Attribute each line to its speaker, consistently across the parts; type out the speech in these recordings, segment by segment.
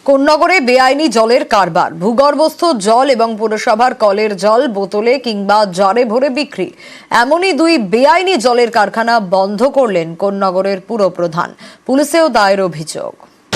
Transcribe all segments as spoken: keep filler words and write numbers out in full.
Speaker 1: কোন্নগরে বেআইনি জলের কারবার, ভূগর্ভস্থ জল এবং পুরসভার কলের জল বোতলে কিংবা জারে ভরে বিক্রি, এমনই দুই বেআইনি জলের কারখানা বন্ধ করলেন কোন্নগরের পুরপ্রধান। পুলিশেও দায়ের অভিযোগ।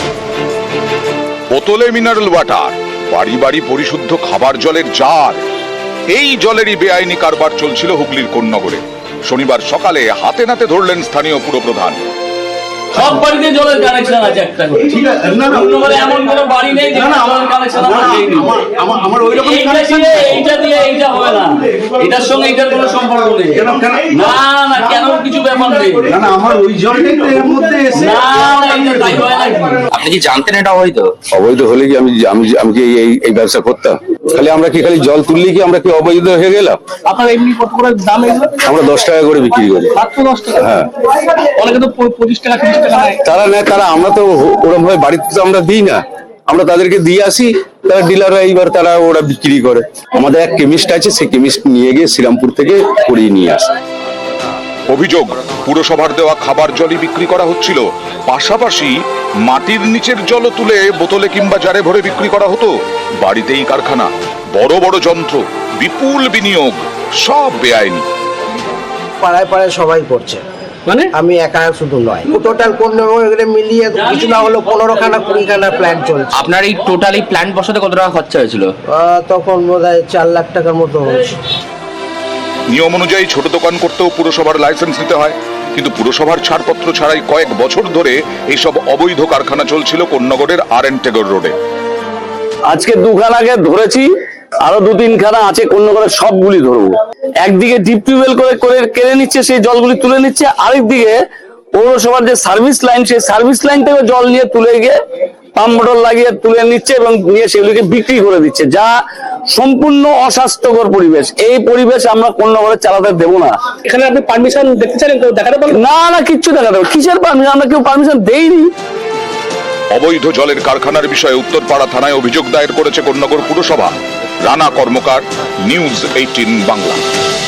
Speaker 2: বোতলে মিনারেল ওয়াটার, বাড়ি বাড়ি পরিশুদ্ধ খাবার জলের জার, এই জলেরই বেআইনি কারবার চলছিল হুগলির কোন্নগরে। শনিবার সকালে হাতে নাতে ধরলেন স্থানীয় পুরপ্রধান।
Speaker 3: সব বাড়িতে জলের কানেকশন আছে একটা করে। ঠিক আছে, না না কোন্নগরে এমন কোনো বাড়ি নেই যেখানে জলের কানেকশন আছে। আমার আমার ওই রকম কানেকশন নেই। এইটা দিয়ে এইটা হবে না, এটার সঙ্গে এটার কোনো সম্পর্ক নেই। না না কেন কিছু ব্যাপার নেই।
Speaker 4: না না আমার ওই জলটাই তো এর মধ্যে এসে।
Speaker 3: না না এটা তাই হয় না।
Speaker 5: আপনি কি জানতেন এটা অবৈধ?
Speaker 6: অবৈধ হলে কি আমি আমি আমি কি এই এই ব্যবসা করতাম? খালি আমরা কি খালি জল তুললি কি আমরা কি অবৈধ হয়ে গেলাম?
Speaker 3: আপনার এমনি কত করে দাম এগুলো?
Speaker 6: আমরা দশ টাকা করে বিক্রি করি।
Speaker 3: মাত্র দশ টাকা?
Speaker 6: হ্যাঁ,
Speaker 3: অনেকে তো পঁচিশ টাকা তিরিশ টাকা নেয়।
Speaker 6: তারা নেয়, তারা আমরা তো ওরকম ভাবে বাড়িতে তো আমরা দিই না, আমরা তাদেরকে দিয়ে আসি, তারা ডিলাররা এইবার তারা ওরা বিক্রি করে। আমাদের এক কেমিস্ট আছে, সেই কেমিস্ট নিয়ে গিয়ে শ্রীরামপুর থেকে করিয়ে নিয়ে আসে।
Speaker 2: অভিযোগ, পুরসভার দেওয়া খাবার জলই বিক্রি করা হচ্ছিল, পাশাপাশি মাটির নিচের জলও তুলে বোতলে কিংবা জারে ভরে বিক্রি করা হতো। বাড়িতেই কারখানা, বড় বড় যন্ত্র, বিপুল বিনিয়োগ, সব বেআইনি।
Speaker 7: পাড়ায় পাড়ায় সবাই করছে,
Speaker 3: মানে
Speaker 7: আমি একা শুধু নয়, টোটাল কোন্নগরে মিলিয়ে কিছু না হলো পনেরো খানা কুড়ি খানা প্ল্যান চলছে।
Speaker 5: আপনার এই টোটালি প্ল্যান্ট বসাতে কত টাকা খরচা হয়েছিল?
Speaker 7: আহ, তখন বোধ হয় চার লাখ টাকার মতো হয়েছে।
Speaker 2: নিয়ম অনুযায়ী ছোট দোকান করতেও পুরসভার লাইসেন্স নিতে হয়, কিন্তু পুরসভার ছাড়পত্র ছাড়াই কয়েক বছর ধরে এইসব অবৈধ কারখানা চলছিল কোন্নগরের আর এন টেগর রোডে।
Speaker 8: আজকে দুখানাকে ধরেছি, আরো দু তিনখানা আছে কোন্নগরের, সবগুলি ধরবো। একদিকে ডিপ টিউবওয়েল করে করে কেড়ে নিচ্ছে, সেই জলগুলি তুলে নিচ্ছে, আরেকদিকে পৌরসভার যে সার্ভিস লাইন, সেই সার্ভিস লাইন থেকে জল নিয়ে তুলে গিয়ে পাম্প মোটর লাগিয়ে তুলে নিচ্ছে এবং নিয়ে সেগুলিকে বিক্রি করে দিচ্ছে, যা সম্পূর্ণ অস্বাস্থ্যকর পরিবেশ। এই পরিবেশ আমরা কোন্নগরে চালাতে দেবো না।
Speaker 3: এখানে আপনি পারমিশন দেখতে চান, কেউ দেখাতে পারবেন?
Speaker 8: না না কিচ্ছু দেখাতে হবে, কিসের পারমিশন? আমরা কেউ পারমিশন দেইনি।
Speaker 2: অবৈধ জলের কারখানার বিষয়ে উত্তরপাড়া থানায় অভিযোগ দায়ের করেছে কোন্নগর পুরসভা। Rana Karmakar, news eighteen Bangla.